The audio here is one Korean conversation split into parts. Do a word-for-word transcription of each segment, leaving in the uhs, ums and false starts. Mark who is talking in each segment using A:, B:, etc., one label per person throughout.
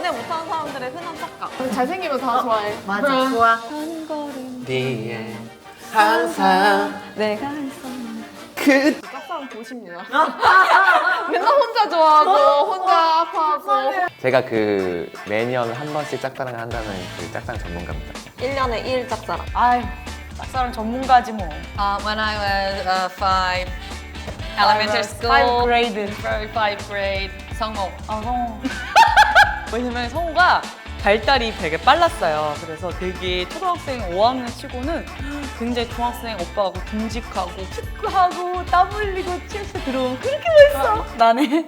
A: 연애 못하는 사람들의 흔한 착각. 잘생기면 다 좋아해.
B: 맞아, 좋아.
A: 한 걸음
C: 뒤에 항상
A: 내가 있어.
C: 그
A: 짝사랑 보십니다. 맨날 혼자 좋아하고 혼자 아파하고.
C: 제가 그 매년 한 번씩 짝사랑을 한다는 그 짝사랑 전문가입니다.
A: 일 년에 이 일 짝사랑.
B: 아유, 짝사랑 전문가지 뭐.
A: Uh, when I was uh, five elementary school,
B: Five grade.
A: five, five grade, 성호.
B: 아, 성우. 왜냐면 성우가 발달이 되게 빨랐어요. 그래서 되게 초등학생 오 학년 치고는 굉장히 중학생 오빠하고 듬직하고 축구하고 땀 흘리고 침대 들어오면 그렇게 멋있어. 나네.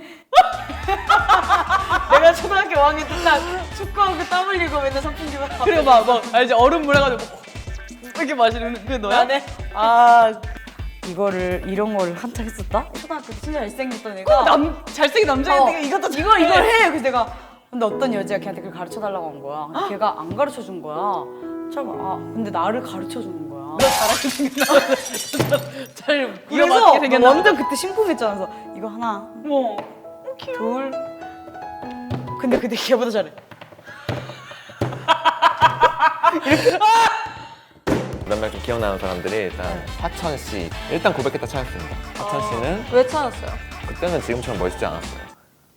B: 내가 초등학교 오 학년 때 딱 축구하고 땀 흘리고 맨날 선풍기 막 그리고 막, 막 알지? 얼음 물어가지고 이렇게 마시는 그게 너야? 나네. 아 이거를 이런 거를 한참 했었다? 초등학교 때 진짜 잘생겼던 애가 남, 잘생긴 남자애인데
A: 어.
B: 이것도 이거 이걸 해! 그래서 내가 근데 어떤 여자가 걔한테 그걸 가르쳐 달라고 한 거야. 근데 걔가 안 가르쳐 준 거야. 처음 아 근데 나를 가르쳐 주는 거야. 너 잘하게 생겼나? 잘 이거 맞게 생겼나? 완전 그때 심쿵했잖아. 그래서 이거 하나, 뭐 둘. 근데 그때 걔보다 잘해.
C: 몇 명 좀 기억나는 사람들이 일단 화천 씨 일단 고백했다 찾았습니다. 화천 씨는
A: 왜 찾았어요?
C: 그때는 지금처럼 멋있지 않았어요.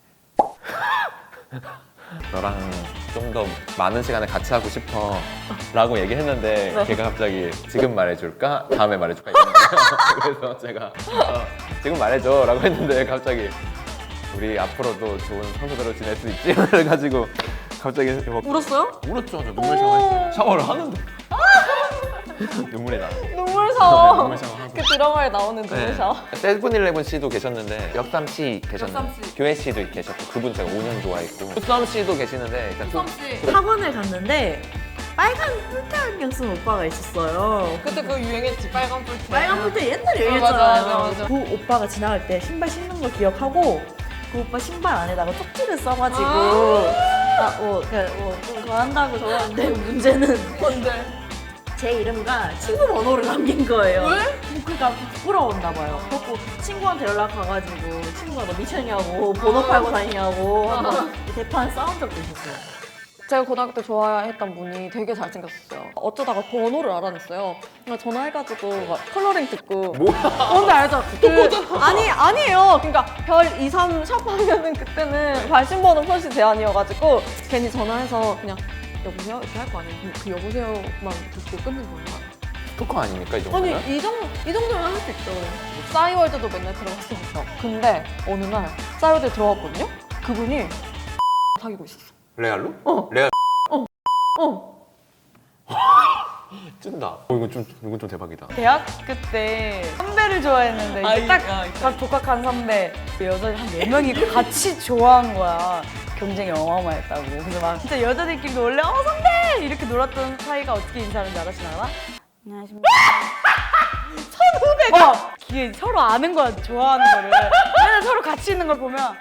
C: 너랑 좀 더 많은 시간을 같이 하고 싶어 라고 얘기했는데
A: 네.
C: 걔가 갑자기 지금 말해줄까? 다음에 말해줄까? 이러는 거예요. 그래서 제가 어, 지금 말해줘 라고 했는데 갑자기 우리 앞으로도 좋은 선수들로 지낼 수 있지? 그래가지고 갑자기 막
A: 울었어요?
C: 울었죠. 저 눈물 샤워했어요. 샤워를 하는데 눈물이 나.
A: 눈물 샤워.
C: 네, 눈물 샤워하고.
A: 그 드라마에 나오는 눈물 샤워.
C: 세븐일레븐 씨도 계셨는데 역삼 씨 계셨는데
A: 역삼 씨.
C: 교회 씨도 계셨고 그분 제가 오 년 좋아했고 수삼 씨도 계시는데 일단 수-
A: 씨.
D: 학원을 갔는데 빨간 뿔테 안경 쓴 오빠가 있었어요.
A: 그때 그거 유행했지, 빨간 뿔테.
D: 빨간 뿔테 옛날에
A: 어,
D: 유행했잖아요.
A: 맞아, 맞아, 맞아.
D: 그 오빠가 지나갈 때 신발 신는 거 기억하고 그 오빠 신발 안에다가 쪽지를 써가지고 아, 뭐, 그냥 뭐, 좀 그거 한다고 적었는데 문제는
A: 뭔데?
D: 제 이름과 친구 번호를 남긴 거예요.
A: 왜?
D: 뭐 그러니까 부끄러웠나 봐요. 그래서 친구한테 연락 가가지고 친구가 너 미쳤냐고 번호 팔고 다니냐고 한번 대판 싸운 적도 있었어요.
A: 제가 고등학교 때 좋아했던 분이 되게 잘생겼었어요. 어쩌다가 번호를 알아냈어요. 그러니까 전화해가지고 막 컬러링 듣고.
C: 뭐야?
A: 뭔지 알죠? 그, 아니, 아니에요. 그러니까 별 이, 삼 샵 하면은 그때는 발신번호 표시 제한이어가지고 괜히 전화해서 그냥 여보세요? 이렇게 할 거 아니에요. 그, 그 여보세요만 듣고 끊는 거예요.
C: 토커 아닙니까 이
A: 아니,
C: 정도면?
A: 이 정도, 이 정도면 할 수 있죠. 싸이월드도 맨날 들어갔었어. 근데 어느 날 싸이월드 들어갔거든요? 그분이 사귀고 있었어.
C: 레알로?
A: 어.
C: 레알
A: 어.
C: 찐다. 어, 이건 좀 이건 좀 대박이다.
B: 대학교 때 선배를 좋아했는데 이제 딱, 딱 독학한 선배 그 여자들 한 네 명이 같이 좋아한 거야. 경쟁이 어마어마했다고. 그래서 막 진짜 여자들끼리도 원래 어 선배! 이렇게 놀았던 사이가 어떻게 인사하는지 알았시나? 안녕하십니까. 선후배가! 어, 이게 서로 아는 거야, 좋아하는 거를. 맨날 서로 같이 있는 걸 보면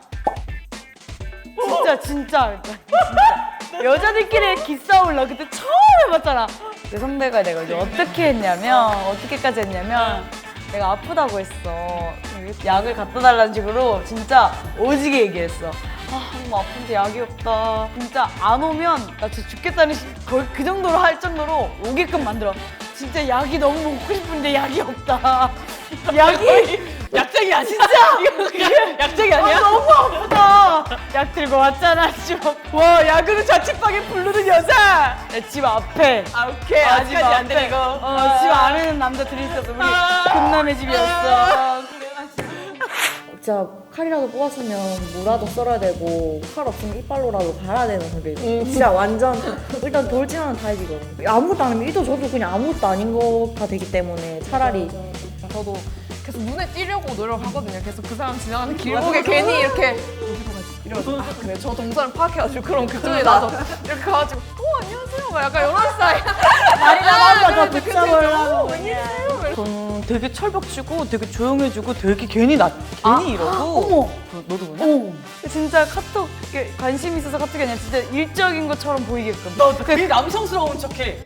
B: 진짜 진짜 그러니까 진짜 여자들끼리 기싸움을 나 그때 처음 해봤잖아. 내 선배가 내가 이제 어떻게 했냐면 어떻게까지 했냐면 내가 아프다고 했어. 약을 갖다 달라는 식으로 진짜 오지게 얘기했어. 아 너무 아픈데 약이 없다. 진짜 안 오면 나 진짜 죽겠다는 시- 거의 그 정도로 할 정도로 오게끔 만들어. 진짜 약이 너무 먹고 싶은데 약이 없다. 약이 약장이야 진짜. 약장이 아니야? 아, 너무 아프다. 약 들고 왔잖아 집 앞. 와 약으로 자취방에 부르는 여자. 내 집 앞에. 아 오케이 아, 아직까지 안 되고. 어, 집 안에는 남자들이 있었어. 우리 금남의 집이었어.
D: 진짜 칼이라도 뽑았으면 무라도 썰어야 되고 칼 없으면 이빨로라도 갈아야 되는 성격이 진짜 완전 일단 돌진하는 타입이거든요. 아무것도 안 하면 이도 저도 그냥 아무것도 아닌 거가 되기 때문에 차라리
A: 저도 계속 눈에 띄려고 노력하거든요. 계속 그 사람 지나가는 길목에 괜히 이렇게 이러고 아 그래 저 동선을 파악해가지고 그럼 그쪽에 나서 이렇게 가가지고 어 안녕하세요 막 약간 이런 스타일.
D: 말이 나가면 다
A: 그치, 그치.
D: 붙잡으려고
A: 어, 웬일이세요?
B: 전 되게 철벽치고 되게 조용해지고 되게 괜히 나 괜히 이러고
D: 어머
B: 너, 너도 그러냐? 진짜 카톡 이렇게 관심 있어서 카톡이 아니라 진짜 일적인 것처럼 보이게끔 너 되게 남성스러운 척해.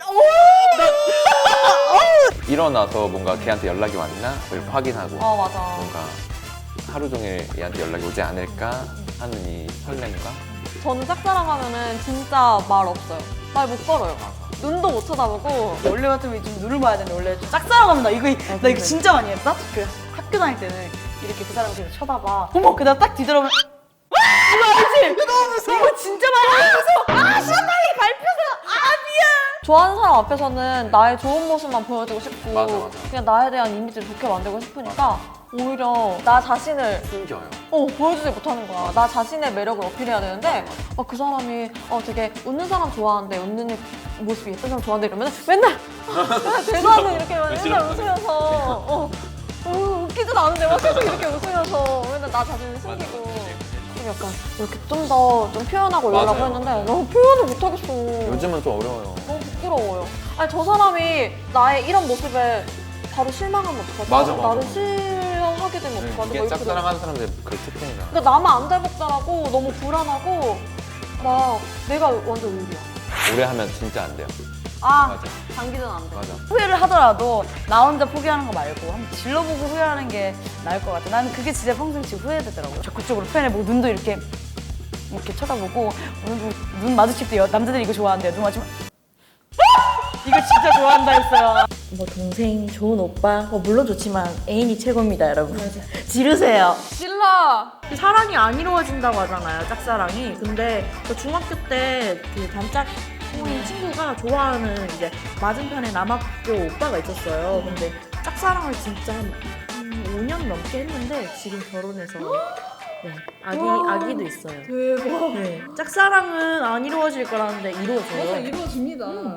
C: 일어나서 뭔가 걔한테 연락이 왔나 를 확인하고
A: 아 맞아.
C: 뭔가 하루 종일 얘한테 연락이 오지 않을까 하는 이 설렘과
A: 저는 짝사랑하면은 진짜 말 없어요. 말 못 걸어요. 눈도 못 쳐다보고.
B: 원래 같으면 좀 눈을 봐야 되는데 원래 좀 짝사랑하면 나 이거 나 이거 진짜 많이 했다. 그 학교 다닐 때는 이렇게 그 사람을 계속 쳐다봐. 어머 그다음 딱 뒤돌아보면 와 이거 알지? 이거 너무 무서워. 이거 진짜 많이 무서워. 아 시원하게 밟혀서 아 미안.
A: 좋아하는 사람 앞에서는 나의 좋은 모습만 보여주고 싶고
C: 맞아, 맞아.
A: 그냥 나에 대한 이미지를 좋게 만들고 싶으니까 오히려 나 자신을
C: 숨겨요.
A: 어, 보여주지 못하는 거야. 나 자신의 매력을 어필해야 되는데 어, 그 사람이 어, 되게 웃는 사람 좋아하는데 웃는 모습이 예쁜 사람 좋아하는데 이러면 맨날 맨날 대도 않는 이렇게 맨날 웃으면서 어, 어, 웃기지도 않은데 막 계속 이렇게 웃으면서 맨날 나 자신을 숨기고 좀 약간 이렇게 좀 더 좀 표현하고 이러려고
C: 맞아요.
A: 했는데 너무 표현을 못하겠어.
C: 요즘은 좀 어려워요.
A: 너무 부끄러워요. 아니 저 사람이 나의 이런 모습에 바로 실망하면 어떡하지?
C: 맞아, 맞아,
A: 나를
C: 맞아.
A: 싫어하게 되면 어떡하지? 막
C: 이게
A: 이렇게
C: 짝사랑하는 사람들 그 특징이잖아.
A: 그러니까 나만 안 닮았다라고 너무 불안하고 막 내가 완전 의리야.
C: 오래 하면 진짜 안 돼요.
A: 아,
C: 맞아.
A: 장기전 안 돼.
C: 맞아.
B: 후회를 하더라도 나 혼자 포기하는 거 말고 한번 질러보고 후회하는 게 나을 것 같아. 나는 그게 진짜 평생치 후회되더라고요. 적극적으로 표현해보고 눈도 이렇게 이렇게 쳐다보고 오늘도 눈 마주칠 때 여- 남자들이 이거 좋아한대요. 눈 마주치면 이거 진짜 좋아한다 했어요.
D: 뭐 동생, 좋은 오빠, 뭐 물론 좋지만 애인이 최고입니다, 여러분. 지르세요.
A: 질러!
D: 사랑이 안 이루어진다고 하잖아요, 짝사랑이. 근데 저 중학교 때 그 단짝인 친구가 좋아하는 이제 맞은편에 남학교 오빠가 있었어요. 근데 짝사랑을 진짜 한 오 년 넘게 했는데 지금 결혼해서 네, 아기, 아기도 있어요.
A: 대박.
D: 네, 짝사랑은 안 이루어질 거라는데 이루어져요.
A: 이루어집니다.